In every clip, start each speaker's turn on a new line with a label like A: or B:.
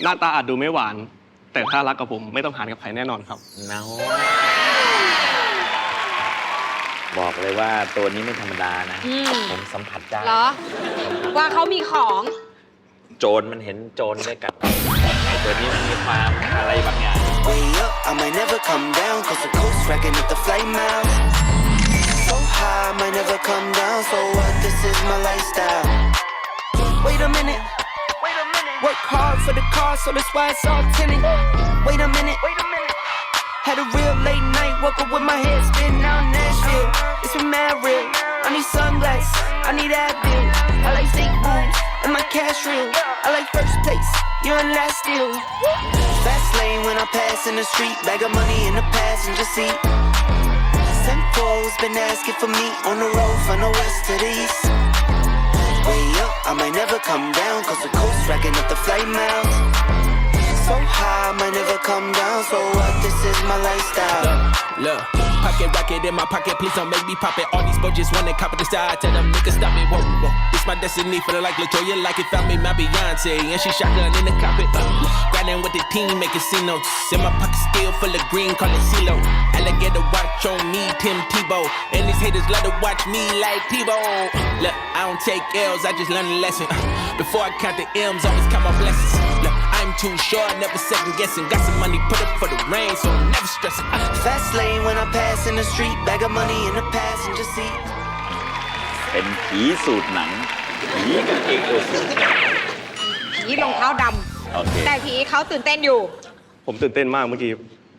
A: หน้าตาอาจดูไม่หวาน แต่ถ้ารักกับผมไม่ต้องหารกับใครแน่นอนครับ
B: น้าบอกเลยว่าตัวนี้ไม่ธรรมดานะผมสัมผัสได้
C: เหรอว่าเขามีของ
B: โจรมันเห็นโจรด้วยกันตัวนี้มันมีความอะไรบางอย่าง
D: Way up, I might never come down, cause the coast racking up the flight miles. So high, I might never come down, so what, this is my lifestyle. Wait a minute, work hard for the car, so that's why it's all tinted. Wait a minute, had a real late night, woke up with my head spinning out Nashville. It's been mad real, I need sunglasses, I need Advil. I like steak booms, and my cash real. I like first place, you're in last still. Fast lane when I pass in the street, bag of money in the passenger seat. Simcoe's been asking for me on the road from the west to the east. Way up, I might never come down, cause the coast racking up the flight miles. So high, I might never come down, so what, this is my lifestyle.
E: Look, pocket rocket in my pocket, please don't make me pop it. All these boys just wanna copy the style, tell them niggas stop it, whoa, whoa. It's my destiny, feeling like LaToya, like it found me my Beyonce, and she shotgun in the cockpit. Grinding with the team, making C notes. In my pocket still full of green, call it CeeLo. Alligator watch on me, Tim Tebow. And these haters love to watch me like Tebow. Look, I don't take L's, I just learned a lesson. Before I count the M's, always count my blessings. Look, I'm too short, never second guessing. Got some money, put up for the rain, so I'm never stressing.
D: Fast lane when I pass in the street, bag of money in the passenger seat.
B: เป็นผีสูตรหนังผีกางเกงตัวสูง
C: ผีรองเท้าด
B: โอเค
C: ำแต่ผีเขาตื่นเต้นอยู่
A: ผมตื่นเต้นมากเมื่อกี้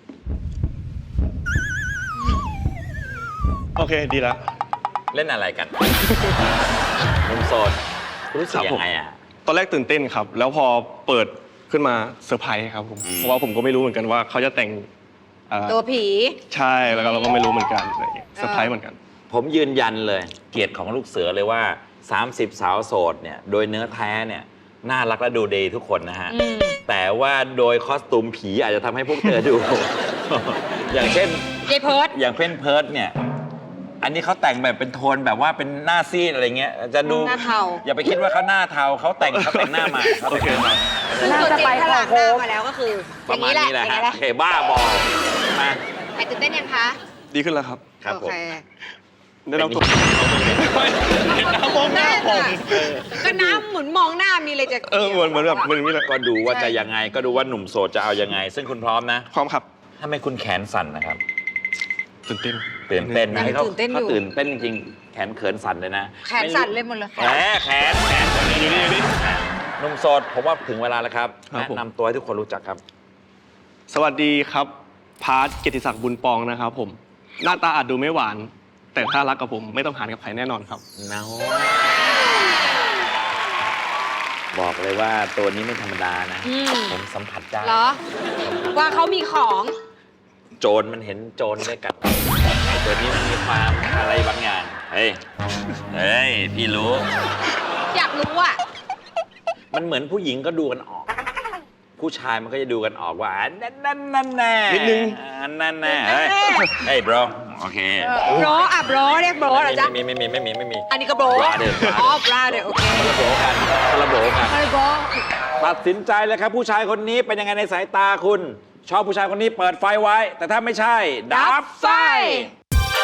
A: โอเคดีแล้ว
B: เล่นอะไรกันนุ่มโสดรู้สึกยังไงอ่ะ
A: ตอนแรกตื่นเต้นครับ แล้วพอเปิดขึ้นมาเซอร์ไพรส์ครับผมเพราะว่าผมก็ไม่รู้เหมือนกันว่าเขาจะแต่ง
C: ตัวผี
A: ใช่แล้วก็เราก็ไม่รู้เหมือนกันอะไรอย่างเงี้ยเซอร์ไพรส์เหมือนกัน
B: ผมยืนยันเลยเกียรติของลูกเสือเลยว่า 30 สาวโสดเนี่ยโดยเนื้อแท้เนี่ยน่ารักและดูดีทุกคนนะฮะแต่ว่าโดยคอสตูมผีอาจจะทำให้พวกเธอดู อย่างเช่น
C: เจเพิร์ด
B: อย่างเพ่นเพิร์ดเนี่ยอันนี้เขาแต่งแบบเป็นโทนแบบว่าเป็นหน้าซีดอะไรเงี้ยจะดู
C: หน้าเทา
B: อย่าไปคิดว่าเขาหน้าเทาเขาแต่งหน้ามาเขาแต่งหน้ามา
C: ซึ่งตัวจริงถ้าล้างหน้ามาแล้วก็คือ
B: ประมาณนี้แหละฮะโอเคบ้าบอมา
C: ใครตื่นเต้นยังคะ
A: ดีขึ้นแล้วครับ
B: ครับผม
A: ได้รับตัวน้ำมองหน้าผม
C: ก็น้ำเหมือนมองหน้ามีเลยจะ
A: เหมือนแบบมันนี่แหละ
B: ก็ดูว่าจะยังไงก็ดูว่าหนุ่มโสดจะเอายังไง ซึ่งคุณพร้อมนะ
A: พร้อมครับ
B: ถ้าไม่คุณแขนสั่นนะครับ
A: ตื่นเต้น
B: ตื่นเต้นนะให้เขา
C: ตื่นเต้นอ
B: เขา
C: ยู่
B: ตื่นเต้นจริงๆแขนเขินสั่นเลยนะ
C: แขนสั่นเลยหมดเลย
B: แขนอยู่นี่หนุ่มโสดผมว่าถึงเวลาแล้วครับแนะนำตัวให้ทุกคนรู้จักครับ
A: สวัสดีครับพาร์ทเกียรติศักดิ์บุญปองนะครับผมหน้าตาอาจดูไม่หวาน แต่ถ้ารักกับผมไม่ต้องหารกับใครแน่นอนครับ
B: น้าบอกเลยว่าตัวนี้ไม่ธรรมดานะผมสัมผัสได้
C: เหรอว่าเขามีของ
B: โจรมันเห็นโจรด้วยกันตัวนี้มันมีความอะไรบางอย่างเฮ้ยพี่รู้
C: อยากรู้อ่ะ
B: มันเหมือนผู้หญิงก็ดูกันออก ผู้ชายมันก็จะดูกันออกว่านั่นแน่
A: นิดนึง
B: นั่นแน่เฮ้ย bro โอเค
C: โบรอ่ะโบรเรียกโบรเหรอจ๊ะ
B: ไม่มี
C: อันนี้ก็โบรอ๋อบราเดโอเค
B: คนละโบกันคนละโบกัน
C: โบร
B: ตัดสินใจเลยครับผู้ชายคนนี้เป็นยังไงในสายตาคุณ ชอบผู้ชายคนนี้เปิดไฟไว้ แต่ถ้าไม่ใช่ดับไฟ